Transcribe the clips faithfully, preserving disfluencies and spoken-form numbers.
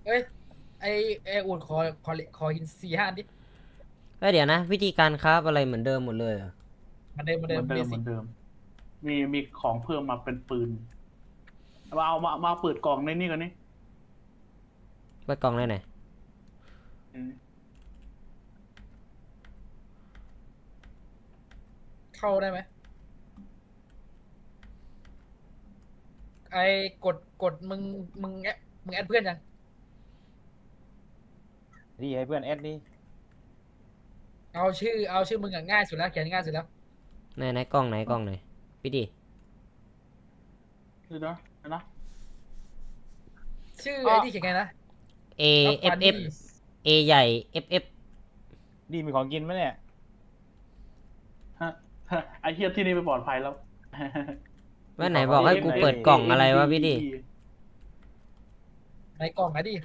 เอ้ยไอไออุ่นขอขอขอหินสี่ห้าอันดิเอ้ยเดี๋ยวนะวิธีการคราฟอะไรเหมือนเดิมหมดเลยเหรอเหมันเดิมเหมันเหมือนเดิเดิมเบสิกมเหมือนเดิมมีมีของเพิ่มมาเป็นปืนมาเอามามาเปิดกล่องในนี่กันนี่เปิดกล่องได้ไหนอืมเข้าได้ไหมไอกดกดมึงมึงแอดมึงแอดเพื่อนยังดีให้เพื่อนแอดดิเอาชื่อเอาชื่อมึงอะง่ายสุดแล้วเขียนง่ายสุดแล้วไหนไหนกล่องไหนกล่องไหนพี่ดิเดี๋ยวนะเดี๋ยวนะชื่ออ๋อไอที่เขียนไงนะ A อัฟ F ฟานี F A ใหญ่ F F ดีมีของกินไหมเนี่ยฮะฮะไอเฮียที่นี่ไปปลอดภัยแล้วว่าไหนบอกให้กูเปิดกล่องอะไรวะพี่ดิในกล่องอะดิ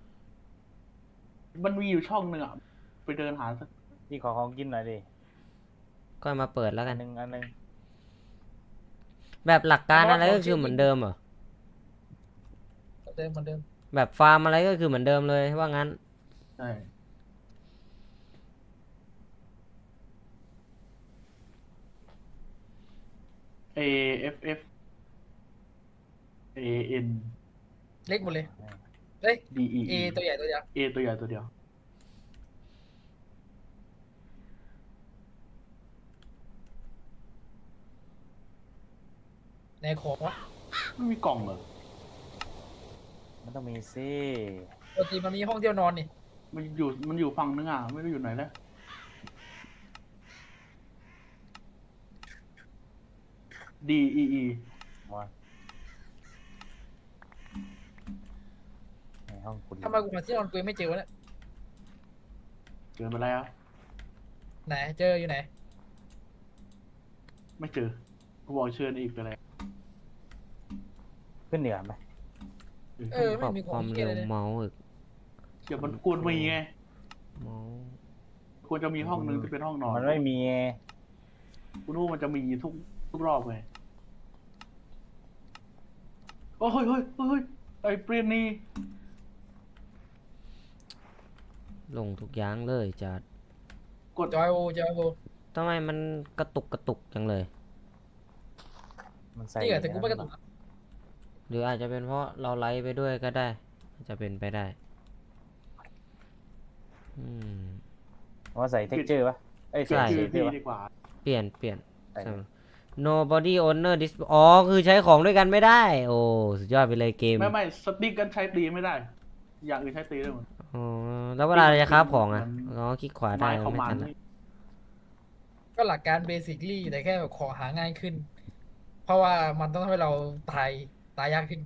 มันมีอยู่ช่องหนึ่งอ่ะไปเดินหาสักดีขอของกินหน่อยดิก็มาเปิดแล้วอักัน นหนึ่งอันหนึ่งแบบหลักการอะไรก็คือเหมือนเดิมเหรอเหมือนเดิมเหมือนเดิมแบบฟาร์มอะไรก็คือเหมือนเดิมเลยว่างั้นใช่ A F F A N เล็กหมดเลยเฮ้ย D E เอ E ตัวใหญ่ตัวเดียว A ตัวใหญ่ตัวเดียวในของวะไม่มีกล่องเหรอมันต้องมีซิปกติมันมีห้องเดียวนอนนี่มันอยู่มันอยู่ฝั่งนึงอ่ะไม่รู้อยู่ไหนแล้ว D E E มาในห้องคุณทำไมกูหาที่นอนกูยังไม่เจอวะเนี่ยเจอไปแล้วไหนเจออยู่ไหนไม่เจอกูบอกเชิญอีกไปแล้วขึ้นเหนือไหมเออปไม่รับมีขคองวามเหี้ยเร็เลวยเนี่ยเมาส์อีกเดี๋ยวมันควรมีไงเมาส์ควรจะมีห้องนึงที่เป็นห้องนอนมันไม่มีไงกูรู้มันจะมีทุกทุกรอบไงโอ้ยเฮ้ยเฮ้ยเฮ้ยไอ้เปรียนนี่ลงทุกอย่างเลยจัดกดจอยโอจอยโอทำไมมันกระตุกกระตุกจังเลยมันใส่นี่เหรอแต่กูไม่กระตุกนะหรืออาจจะเป็นเพราะเราไลฟ์ไปด้วยก็ได้อาจจะเป็นไปได้อืมว่าใส่เท็กเจอร์ปะเอ้ยเปลี่ยนใช่ชื่อเท็กเจอพี่ร์ปะดีกว่าเปลี่ยนเปลี่ยนใส่เลย nobody owner dis อ๋อคือใช้ของด้วยกันไม่ได้ โอ้สุดยอดไปเลยเกมไม่ไม่สติ๊กกันใช้ตีไม่ได้ อย่างอื่นใช้ตีได้หมดอ๋อแล้วเวลาเราจะคราฟของอ่ะมันอ๋อคลิกขวาได้ไม้ของไม่มันทันละนี่ก็หลักการเบสิคลี่แต่แค่แบบของหาง่ายขึ้น เพราะว่ามันต้องทำให้เราตายตายยากขึ้น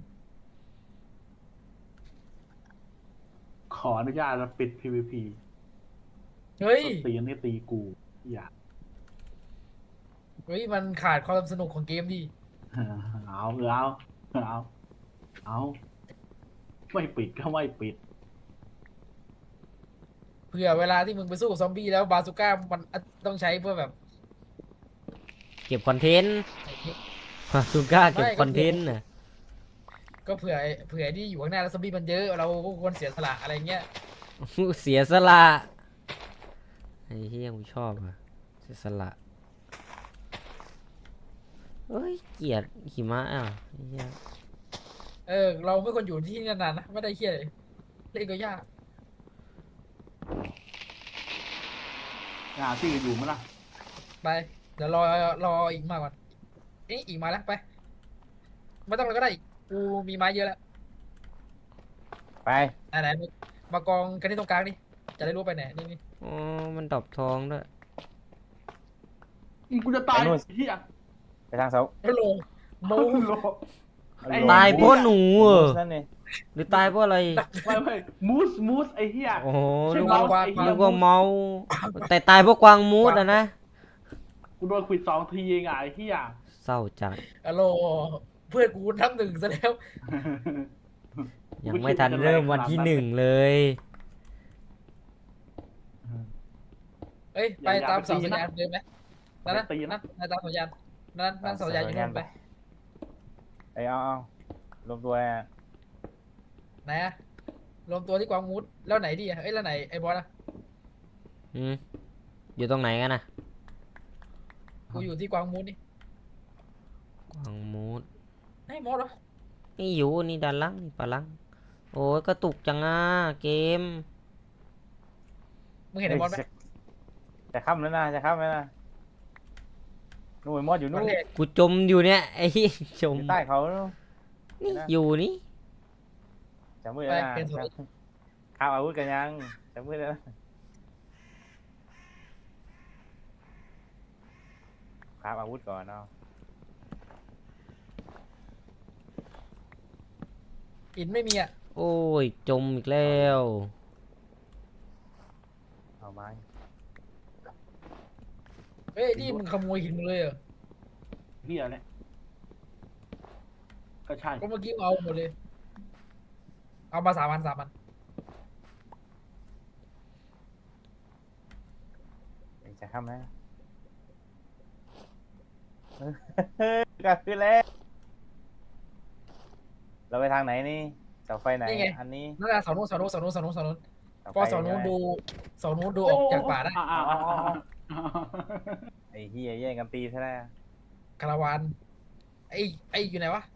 ขออนุญาตแล้วปิด พี วี พีเฮ้ยตีนนี่ตีกูอย่าเฮ้ยมันขาดความสนุกของเกมดิเอาเออเอาเอาเอาไม่ปิดก็ไม่ปิดเผื่อเวลาที่มึงไปสู้กับซอมบี้แล้วบาซูก้ามันต้องใช้เพื่อแบบเก็บคอนเทนต์ฮาซูก้าเก็บคอนเทนต์น่ะก็เผื่อเผื่อที่อยู่ข้างหน้าแล้วซอมบี้มันเยอะเราก็ควรเสียสละอะไรเงี้ยเสียสละไอ้เฮียกูชอบอ่ะเสียสละเอ้ยเกลียดหิมะอ่ะไอ้เฮียเออเราไม่ควรอยู่ที่นี่นานๆนะไม่ได้เครียดเลยเล่นก็ยากหาที่อยู่มั้ยล่ะไปเดี๋ยวรอรออีกมาก่อนเอ๊ะอีกมาแล้วไปไม่ต้องแล้วก็ได้อีกกูมีไม้เยอะแล้วไปไหนไหนมากองกันที่ตรงกลางนี่จะได้รู้ไปไหนนี่นี่อ๋อมันดรอปทองด้วยกูจะตายเฮียไปทางเสาฮัลโหลโมโล ไอ้ตายเพราะหนูเหรอนั่นนี่หรือตายเพราะอะไรไม่ไม่มูสมูสไอ้เฮียโอ้โหใช่นึกเมาว่าส์ไอ้เหี้ยนึกว่าเมาส์แต่ตายเพราะกวางมูดอ่ะนะกูโดนขวิดสองทีเองอ่ะไอ้เฮียเศร้าจัดฮัลโหลเพื่อนกูนับหนึ่งซะแล้วยังไม่ทันเริ่มวันที่หนึ่งเลยเอ้ยไปตามเสาสัญญาณเดิมไหมนั่นนะนั่นนั่นตามสัญญาณนั่นนั่นเสาสัญญาณอยู่นู่นไปไอ้เอาเอารวมตัวไหนอะรวมตัวที่กวางมูดแล้วไหนดีอ่ะเอ้ยแล้วไหนไอ้บอสอ่ะอืมอยู่ตรงไหนกันนะกูอยู่ที่กวางมูดนี่กวางมูดไอ้มอสเหรอนี่อยู่นี่ด้านล่างนี่ปะลังโอ้ยกระตุกจังอ่ะเกมมึงเห็นไอ้มอสไหมจะจะค่ำแล้วนะจะค่ำแล้วนะนู่นไอ้มอดอยู่วันู่นนแรกกูจมอยู่เนี่ยไอ้เหี้ยจอมยู่ใต้เขานู่นนี่นะอยู่นี่จะมืดแล้วนะเป็นสวยข้าวอาวุธกันยังจะมืดแล้วนะข้าวอาวุธก่อนเนาะหินไม่มีอ่ะโอ้ยจมอีกแล้วเอาไม้เฮ้ยนี่มึงขโมยหินมึงเลยเหรอเฮียเนี่ยก็ใช่ก็เมื่อกี้เอาหมดเลย เอามาสามพันสามพันจะค่ำแล้วกลับขึ้นแล้วเราไปทางไหนนี่เสาไฟไหนอันนี้นั่นแหละเสาโน้นเสาโน้นเสาโน้นเสาโน้นเสาโน้นเสาไฟก็เสาโน้นใช่ไหมดูเสาโน้นดูออกจากป่าได้อ่อ่าอ่าอ่าไอ้เฮียแย่งกันตีซะแล้วคาราวานไอ้ไอ้อยู่ไหนวะ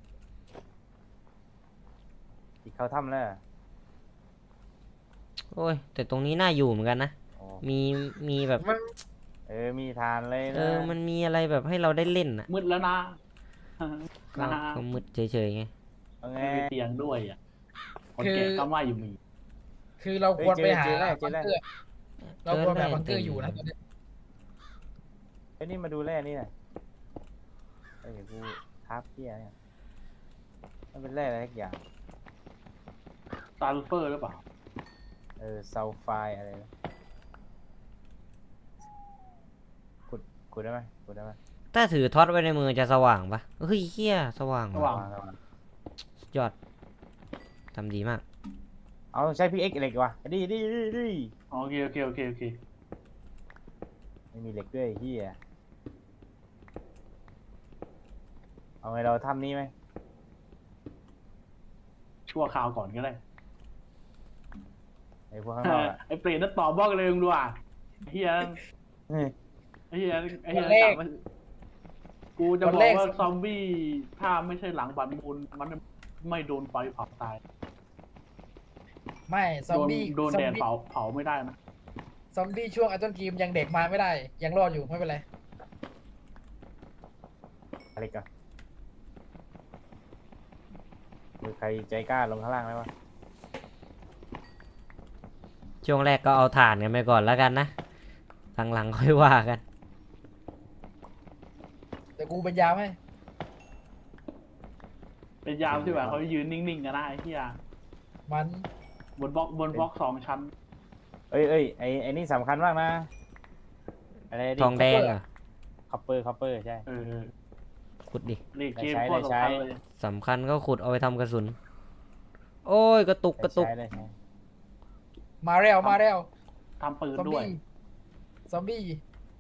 ที่เขาทำแล้วโอ้ยแต่ตรงนี้น่าอยู่เหมือนกันนะโอ้มีมีแบบมันเออมีทานเลยเอนะอมันมีอะไรแบบให้เราได้เล่นอ่ะมืดแล้วนะก็นะฮะก็มืดเฉยๆไงเอาไงไม่มีเตียงด้วยอ่ะคนแก่ก็ไม่อยู่มีคือเราควรไปหาเจอแล้วเจบัอง แล้วเกอร์เราควรไปหาบังเกอร์อยู่นะตอนนี้ไอ้นี่มาดูแร่นี่หน่อยเอ้ยกูทับเพี้ยเนี่ยมันเป็นแร่อะไรสักอย่างซัลเฟอร์หรือเปล่าเออซัลไฟด์อะไรนะขุดขุดได้ไหมขุดได้ไหมถ้าถือท็อตไว้ในมือจะสว่างปะเฮ้ยเฮียสว่างสว่างระวังสุดยอดทำดีมากเอาใช้พีเอ็กเหล็กว่ะดีดีดีดีโอเคโอเคโอเคโอเคไม่มีเหล็กด้วยเฮียเอาไงเราทำนี้ไหมชั่วคราวก่อนก็ได้ไอ้พวกข้างนอกอะไอ้เปรตนั่นตอบบอกเลยมึงดูอ่ะไอ้เฮียเฮ้ยไอ้เฮียไอ้เฮียวันแรกกลับมากูจะวันบอแรกกว่าซอมบี้ถ้าไม่ใช่หลังบัตรมูลมันไม่โดนไฟเผาตายไม่ซอมโดนบี้โดนซอมแดดบี้เผาเผาไม่ได้นะซอมบี้ช่วงไอต้นกีมยังเด็กมาไม่ได้ ยังรอดอยู่ไม่เป็นไรอะไรก่อนมือใครใจกล้าลงข้างล่างไหมวะช่วงแรกก็เอาถ่านกันไปก่อนแล้วกันนะหลังๆค่อยว่ากันแต่กูเป็นยามให้เป็นยามที่แบบเขายืนนิ่งๆกันนะไอ้เฮียมันบนบล็อกบนบล็อกสองชั้นเอ้ยเอ้ยไอ้ไอ้นี่สำคัญมากนะอะไรทองแดงเหรอ่ะคอปเปอร์คอปเปอร์ใช่เออขุดดินี่เกมได้ใช้โคตรได้ใช้สำคัญเลยสำคัญก็ขุดเอาไปทำกระสุน โอ้ยกระตุกกระตุกใช้ได้ใช้มาแล้วมาแล้วทำปืนซอมด้วยบี้ซอมบี้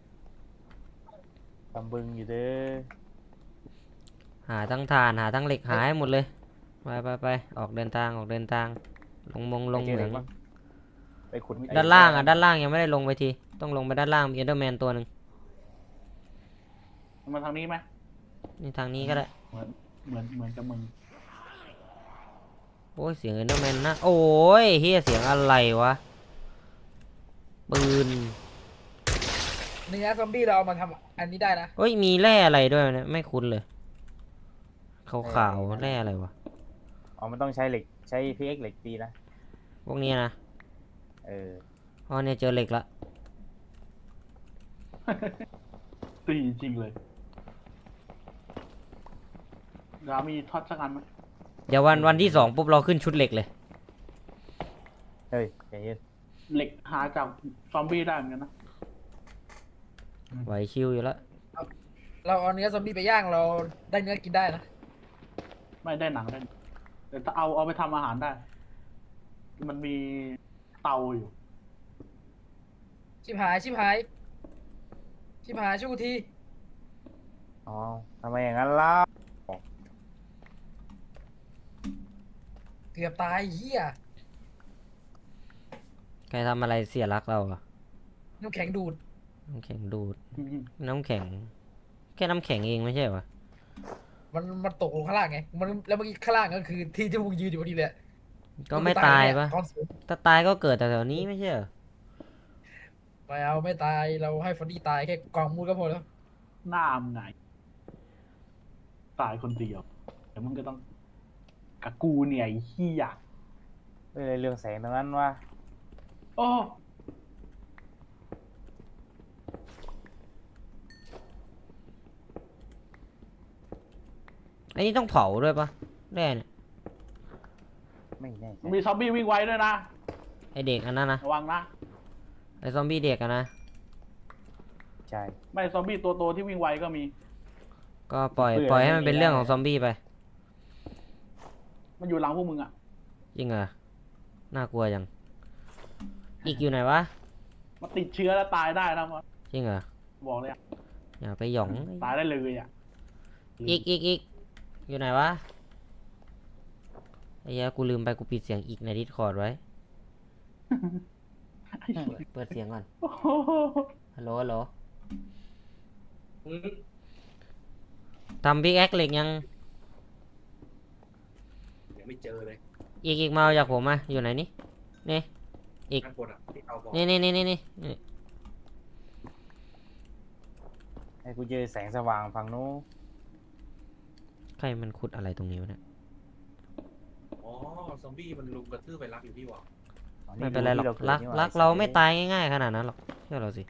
ตำบึงอยู่เด้อหาทั้งถ่านหาทั้งเหล็กหาให้หมดเลยไปไปไปออกเดินทางออกเดินทาง ลงมงลงเหมืองไปขุดไอ้ด้านล่างอ่ะด้านล่างยังไม่ได้ลงไปทีต้องลงไปด้านล่างมีเอเดอร์แมนตัวหนึ่งมาทางนี้ไหมนี่ทางนี้ก็ได้เหมือนเหมือนเหมือนกับมึงโอ้ยเสียงเอเดอร์แมนนะโอ้ยเฮียเสียงอะไรวะปืนเนื้อซอมบี้เราเอามาทำอันนี้ได้นะเอ้ยมีแร่อะไรด้วยเนี่ยไม่คุ้นเลยขาวขาวๆแร่อะไรวะอ๋อมันต้องใช้เหล็กใช้พีเอ็กเหล็กตีนะพวกนี้นะเอออ๋อเนี่ยเจอเหล็กละตีจริงๆเลยเดี๋ยวมีทอดสักอันไหมเดี๋ยววันวันที่สองปุ๊บเราขึ้นชุดเหล็กเลยเฮ้ยใจเย็นเหล็กหาจากซอมบี้ได้เหมือนกันนะไหวชิวอยู่แล้วเราเอาเนื้อซอมบี้ไปย่างเราได้เนื้อกินได้นะไม่ได้หนังได้แต่ถ้าเอาเอาไปทำอาหารได้ มันมีเตาอยู่ชิบหายชิบหายชิบหายช่วยกูทีอ๋อทำไมอย่างนั้นล่ะเกือบตายเฮียใครทำอะไรเสียรักเราอะน้ำแข็งดูดน้ำแข็งดูด น้ำแข็ง แค่น้ำแข็งเองไม่ใช่เหรอมันมันตกลงข้างล่างไงมันแล้วเมื่อกี้ข้างล่างก็คือที่ที่มึงยืนอยู่พอดีเลยก็ไม่ตายปะก้อนสูงถ้าตายก็เกิดแต่แถวนี้ไม่ใช่เหรอไม่เอาไม่ตายเราให้ฟอนดี้ตายแค่กองมูดก็พอแล้วหน้ามึงไงตายคนเดียวแต่มึงก็ต้องกับกูเนี่ยไอ้เหี้ยเอ้ยเรื่องแสงตรงนั้นวะโอ้อันนี้ต้องเผาด้วยปะแร่เนี่ยไม่แน่ใจมีซอมบี้วิ่งไวด้วยนะไอเด็กอันนั้นนะระวังนะไอซอมบี้เด็กอะนะใช่ไม่ซอมบี้ตัวโตที่วิ่งไวก็มีก็ปล่อยปล่อยให้มันเป็นเรื่องของซอมบี้ไปมันอยู่หลังพวกมึงอ่ะจริงเหรอ น่ากลัวจัง อีกอยู่ไหนวะมันติดเชื้อแล้วตายได้นะมันจริงเหรอบอกเลยอะอย่าไปหยองตายได้เลยอ่ะอีกอีกอีกอยู่ไหนวะไอ้เหี้ยกูลืมไปกูปิดเสียงอีกในดิสคอร์ดไว้ไอ้เหี้ยเปิดเสียงก่อนโอ้โหฮัลโหลฮัลโหลทำบิ๊กแอคเหล็กยังยังไม่เจอเลยอีกอีกมาเอาจากผมมาอยู่ไหนนี่นี่ อีกข้างบนอ่ะที่เอาบอกนี่นี่นี่นี่นี่นี่ให้กูเจอแสงสว่างฝั่งนู้นใครมันขุดอะไรตรงนี้วะเนี่ยอ๋อ ซอมบี้มันลุมกระทืบไปรักอยู่พี่วะอ๋อไม่เป็นไรหรอกที่รักเาเดนี่หว่รักเราไม่ตายง่ายๆขนาดนั้นหรอกเชื่อเราสิ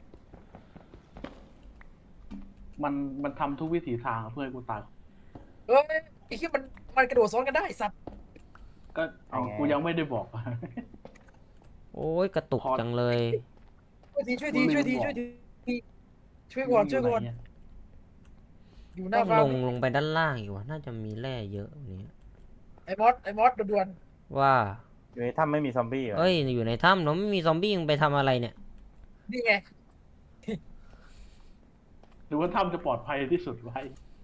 มันมันทำทุกวิถีทางเพื่อให้กูตายเอ้ยไอ้ที่มันมันกระโดดซ้อนกันได้สัตว์ก็เอากูยังไม่ได้บอกโอ้ยกระตุกพอจังเลยช่วยทีช่วยทีช่วยทีช่วยทีช่วยก่อนช่วยก่อนอยู่หต้น้าองฟาลร์มงลงไปด้านล่างอีกวะน่าจะมีแร่เยอะกว่านี้ไอ้มอสไอ้มอสด่วนว่าอยู่ในถ้ำไม่มีซอมบี้เหรอเอ้ยอยู่ในถ้ำเราไม่มีซอมบี้มึงไปทำอะไรเนี่ยๆนี่ไงหรือว่าถ้ำจะปลอดภัยที่สุดไว้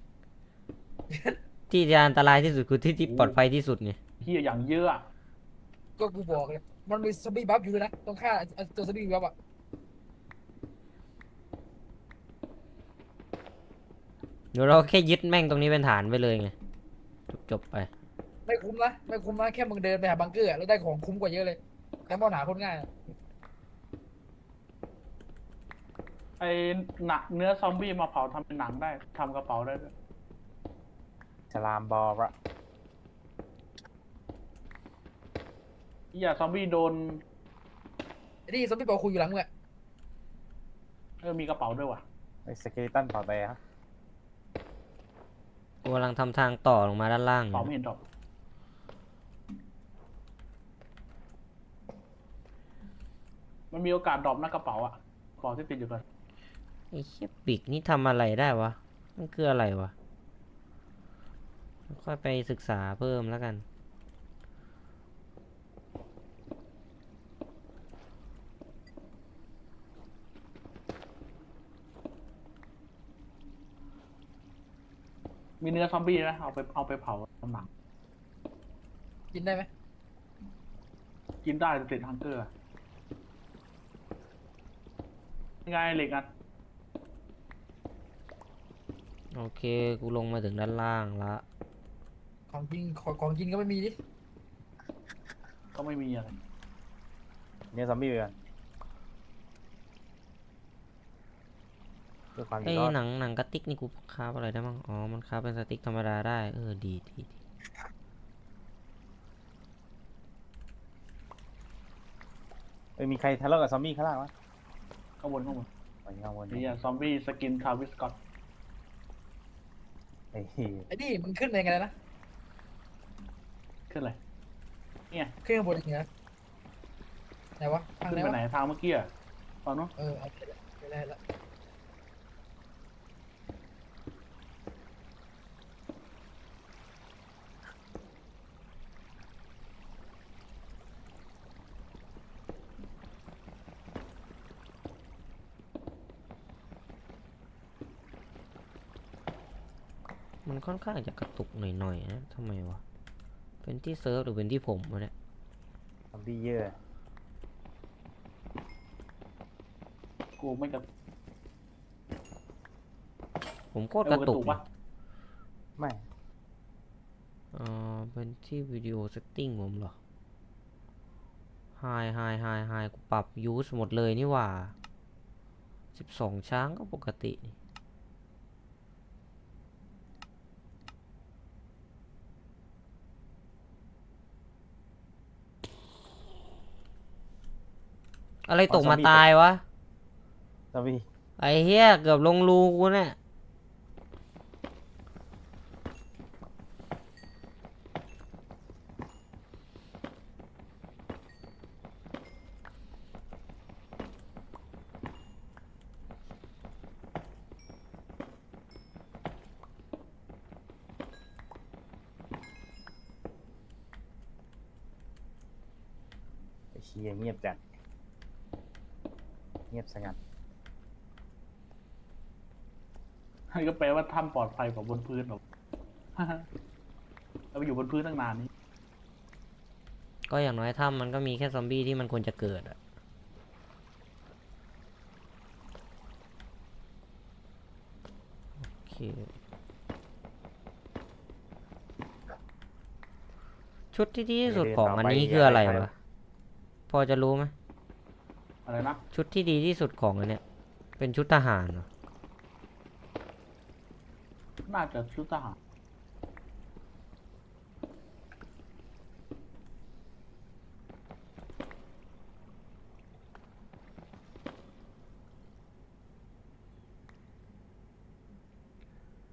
ที่จะอันตรายที่สุดคือที่ที่ปลอดภัยที่สุดไงเหี้ยอย่างเยอะอะก็กูบอกเลยมันมีซอมบี้บัฟอยู่ด้วยนะต้องฆ่าไอ้ตัวซอมบี้บัฟอ่ะเดี๋ยวเราแค่ยึดแม่งตรงนี้เป็นฐานไปเลยไงจบจบไปไม่คุ้มนะไม่คุ้มนะแค่มึงเดินไปหาบังเกอร์อะแล้วได้ของคุ้มกว่าเยอะเลยแต่มอนหาคนง่ายอะไอ้หนักเนื้อซอมบี้มาเผาทำเป็นหนังได้ทำกระเป๋าได้ด้วยฉลามบอลอะอย่าซอมบี้โดนไอ้นี่ซอมบี้บอกคุยอยู่หลังมึงอะเออมีกระเป๋าด้วยว่ะไอ้สเกลิตันเผาไปฮะกูกำลังทำทางต่อลงมาด้านล่างกอระเป๋ายู่ไม่เห็นดอก มันมีโอกาสดรอปนะกระเป๋าอะกระเป๋าที่ติดอยู่กันไอ้เชี่ยปีกนี่ทำอะไรได้วะมันคืออะไรวะค่อยไปศึกษาเพิ่มแล้วกันมีเนื้อซอมบี้นะเอาไปเอาไปเผาทำหนังกินได้ไหมกินได้แต่ติดฮังเกอร์อะยังไงเหล็กอ่ะโอเคกูลงมาถึงด้านล่างละของกินของของกินก็ไม่มีดิก็ไม่มีอะไรเนี่ยซอมบี้ไปก่อนด้วยความอไอ้ยู่รอดหนังหนังกระติกนี่กูคราฟอะไรได้บ้างอ๋อมันคราฟเป็นสติ๊กธรรมดาได้เออดีดีดีเอ้ยมีใครทะเลาะกับซอมบี้ข้างล่างวะข้างบนข้างบนไปข้างบนนี่ซอมบี้สกินทาวิสกอตไอ้เหี้ยไอ้นี่มันขึ้นไปยังไงนะขึ้นอะไรเนี่ยขึ้นข้างบนยังไงนะไหนวะทางขึ้นไหนไปวะไหนทางเมื่อกี้อะตอนนู้นเออเอาไปแล้วไปแล้วละมันค่อนข้างจะกระตุกหน่อยๆนะทำไมวะเป็นที่เซิร์ฟหรือเป็นที่ผมวะเนี่ยซอมบี้เยอะกูไม่กระผมโคตรกระตุกปะไม่เออเป็นที่วิดีโอเซตติ้งผมเหรอ ไฮไฮไฮไฮกูปรับยูสหมดเลยนี่หว่าสิบสองช้างก็ปกตินี่อะไรตกมาตายวะซอมบี้ไอ้เหี้ยเกือบลงรูกูเนี่ยไอ้เชียเงียบจัดเงียบสงัดให้ก็แปลว่าถ้ำปลอดภัยกว่าบนพื้นหรอก เราไปอยู่บนพื้นตั้งนานนี้ก็อย่างน้อยถ้ำมันก็มีแค่ซอมบี้ที่มันควรจะเกิดอะโอเค ชุดที่ดีที่สุดของอันนี้คืออะไรวะ พอจะรู้ไหมอะไรนะชุดที่ดีที่สุดของอันเนี้ย เป็นชุดทหารเหรอน่าจะชุดทหาร